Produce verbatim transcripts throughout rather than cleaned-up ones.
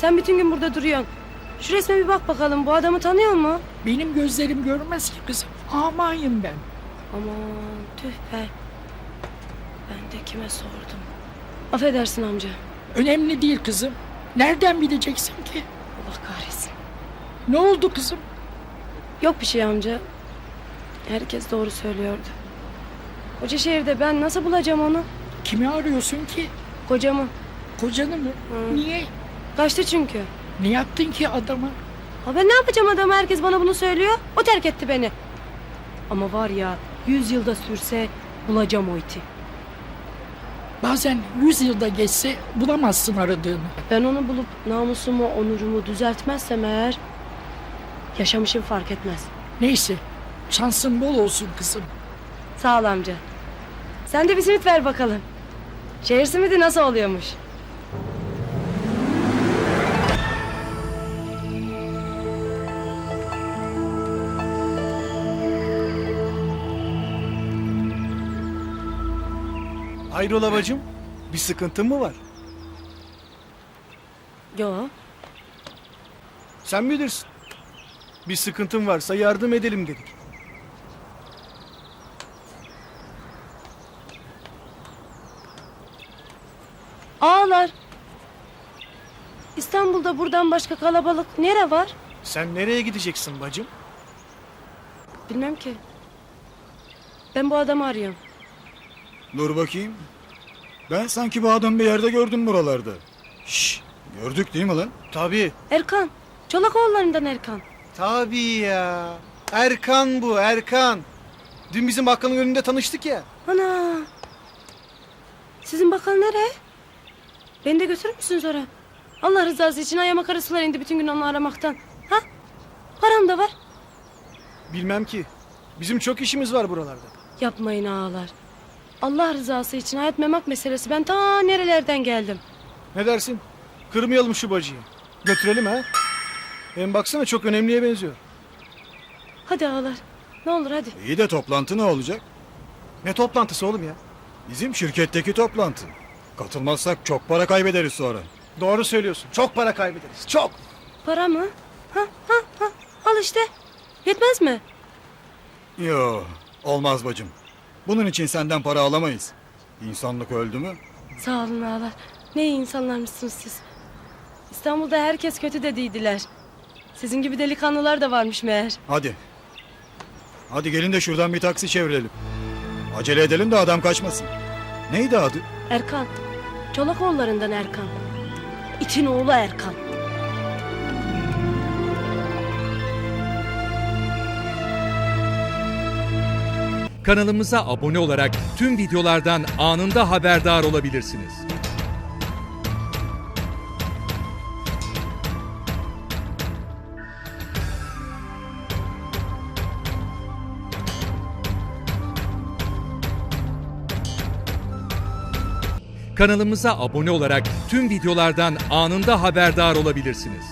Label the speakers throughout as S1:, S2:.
S1: Sen bütün gün burada duruyorsun. Şu resme bir bak bakalım. Bu adamı tanıyor mu?
S2: Benim gözlerim görmez ki kızım. Amayım ben.
S1: Aman tüh be. Ben de kime sordum? Affedersin amca.
S2: Önemli değil kızım. Nereden bileceksin ki?
S1: Allah kahretsin.
S2: Ne oldu kızım?
S1: Yok bir şey amca. Herkes doğru söylüyordu. Koca şehirde ben nasıl bulacağım onu?
S2: Kimi arıyorsun ki?
S1: Kocamı.
S2: Kocanı mı?
S1: Hı.
S2: Niye?
S1: Kaçtı çünkü.
S2: Ne yaptın ki adama?
S1: Ha ben ne yapacağım adama, herkes bana bunu söylüyor. O terk etti beni. Ama var ya, yüz yılda sürse bulacağım o iti.
S2: Bazen yüz yılda geçse bulamazsın aradığını.
S1: Ben onu bulup namusumu, onurumu düzeltmezsem eğer yaşamışım fark etmez.
S2: Neyse, şansın bol olsun kızım.
S1: Sağ ol amca. Sen de bir simit ver bakalım. Şehir simidi nasıl oluyormuş?
S3: Hayrola bacım? Bir sıkıntın mı var?
S1: Yo.
S3: Sen bilirsin. Bir sıkıntın varsa yardım edelim dedik.
S1: Ağlar. İstanbul'da buradan başka kalabalık nere var?
S3: Sen nereye gideceksin bacım?
S1: Bilmem ki. Ben bu adamı arıyorum.
S4: Dur bakayım. Ben sanki bu adamı bir yerde gördüm buralarda. Şşş, gördük değil mi lan?
S3: Tabii.
S1: Erkan. Çolakoğullarından Erkan.
S3: Tabii ya. Erkan bu, Erkan. Dün bizim bakkalın önünde tanıştık ya.
S1: Ana. Sizin bakkal nereye? Beni de götürür müsünüz oraya? Allah rızası için ayağıma karasular indi bütün gün onu aramaktan. Ha? Param da var.
S3: Bilmem ki. Bizim çok işimiz var buralarda.
S1: Yapmayın ağalar. Allah rızası için hayat memak meselesi. Ben ta nerelerden geldim.
S3: Ne dersin? Kırmayalım şu bacıyı. Götürelim ha. Hem baksana çok önemliye benziyor.
S1: Hadi ağalar. Ne olur hadi.
S4: İyi de toplantı ne olacak?
S3: Ne toplantısı oğlum ya?
S4: Bizim şirketteki toplantı. Katılmazsak çok para kaybederiz sonra.
S3: Doğru söylüyorsun. Çok para kaybederiz. Çok.
S1: Para mı? Ha ha ha. Al işte. Yetmez mi?
S4: Yo, olmaz bacım. Bunun için senden para alamayız. İnsanlık öldü mü?
S1: Sağ olun ağalar. Ne iyi insanlarmışsınız siz. İstanbul'da herkes kötü dediydiler. Sizin gibi delikanlılar da varmış meğer.
S4: Hadi. Hadi gelin de şuradan bir taksi çevirelim. Acele edelim de adam kaçmasın. Neydi adı?
S1: Erkan. Çolakoğullarından Erkan. İtin oğlu Erkan.
S5: Kanalımıza abone olarak tüm videolardan anında haberdar olabilirsiniz. Kanalımıza abone olarak tüm videolardan anında haberdar olabilirsiniz.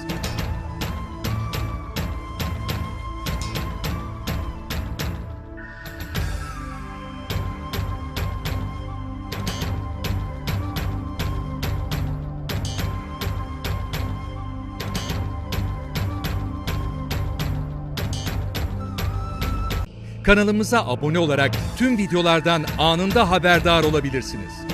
S5: Kanalımıza abone olarak tüm videolardan anında haberdar olabilirsiniz.